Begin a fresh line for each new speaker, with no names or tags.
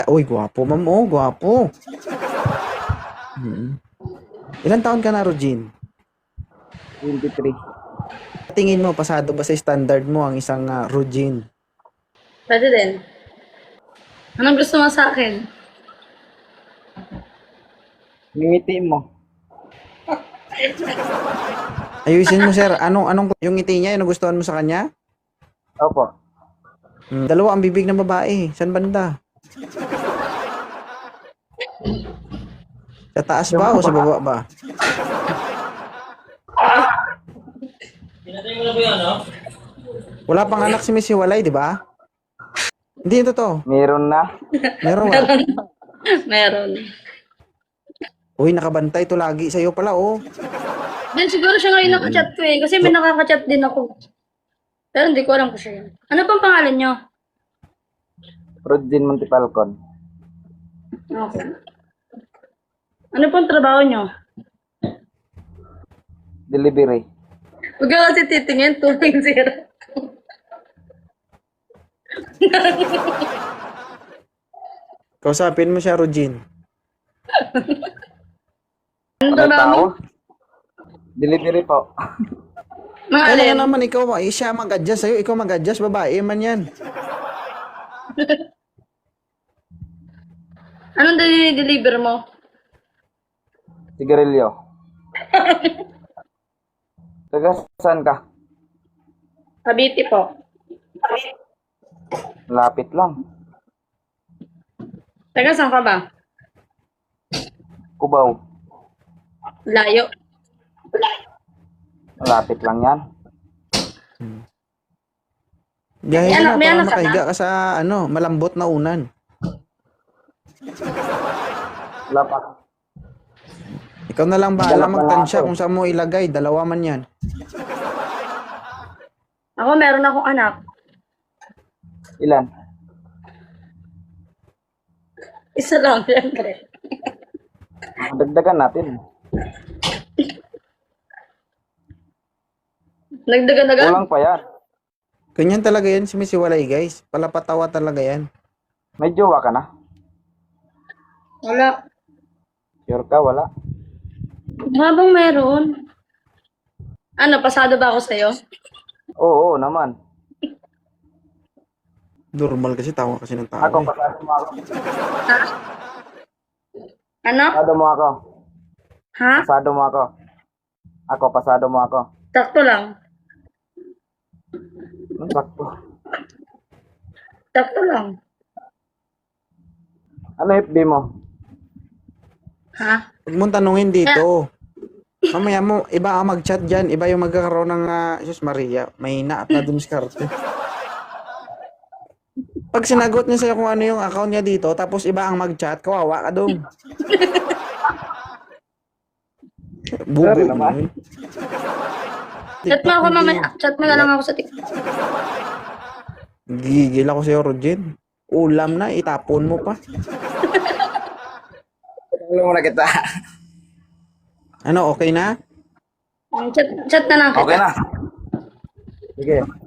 Uy, gwapo, ma'am. Oh, gwapo. Ilan taon ka na, Rogin?
23.
Tingin mo, pasado ba sa standard mo ang isang Rogin?
Pwede din. Anong gusto mo sa akin?
Ngiti mo.
Ayusin mo, sir. Anong yung ngiti niya, yung nagustuhan mo sa kanya?
Opo.
Dalawa ang bibig ng babae. San banda? Sa taas ba o sa baba ba?
Pinatay mo na ba yan, no?
Wala pang anak si Miss Hiwalay, di ba? Hindi yun totoo.
Meron na.
Meron wala.
Meron.
Uy, nakabantay to lagi sa'yo pala, oh.
Then siguro siya ngayon nakachat ko eh. Kasi may nakakachat din ako. Pero hindi ko alam kung siya yun. Ano pang pangalan nyo?
Rodin Montipalcon.
Okay. Ano pang trabaho nyo?
Delivery.
Huwag ka kasi titingin. 2.0.
Kausapin mo siya, Rogin.
Ano
Ano
trabaho mo?
tao? Delivery po.
Mga
Kailangan
alin?
naman ikaw, siya mag-adjust sa'yo, ikaw mag-adjust, babae man yan.
Anong deliver mo?
Sigarilyo. Taga saan ka?
Cavite po.
Lapit lang.
Taga saan ka ba?
Cubao.
Layo.
Lapit lang yan.
Gahe ka na,
May
para
anak ka
makahiga ka sa, malambot na unan.
Lapat.
Ikaw na lang bahala
Dalap na
magtansya
ako.
kung saan mo ilagay, dalawa man yan.
Ako meron akong anak.
Ilan?
Isa lang, siyempre.
Dagdagan natin.
Nagdagan-dagan?
Kulang pa yan.
Ganyan talaga yan si Miss Hiwalay, guys. Palapatawa talaga yan.
May jowa ka na?
Wala.
Sure ka? Wala?
Habang meron. Ano, pasado ba ako sa'yo?
Oo, naman.
Normal kasi, tawa kasi ng tao.
Ako,
Eh.
pasado mo ako.
Ha? Ano?
Pasado mo ako.
Ha?
Pasado mo ako. Ako, pasado mo ako.
Sakto lang.
Sakto.
Sakto lang.
Ano FB mo?
Ha?
Huwag mong tanungin dito. Mamaya mo, iba ang mag-chat dyan. Iba yung magkakaroon ng, Jesus Maria, mahina at nadumiskarte. Pag sinagot niya sa'yo kung ano yung account niya dito, tapos iba ang mag-chat, kawawa ka dong. Bubo
Sorry naman.
naman.
Chat mo ako mamaya. Chat mo na lang ako sa TikTok.
Gigil ako sa'yo, Rogin. Ulam na, itapon mo pa.
Alam mo na kita.
Ano, okay na?
Chat na lang kita.
Okay na. Sige.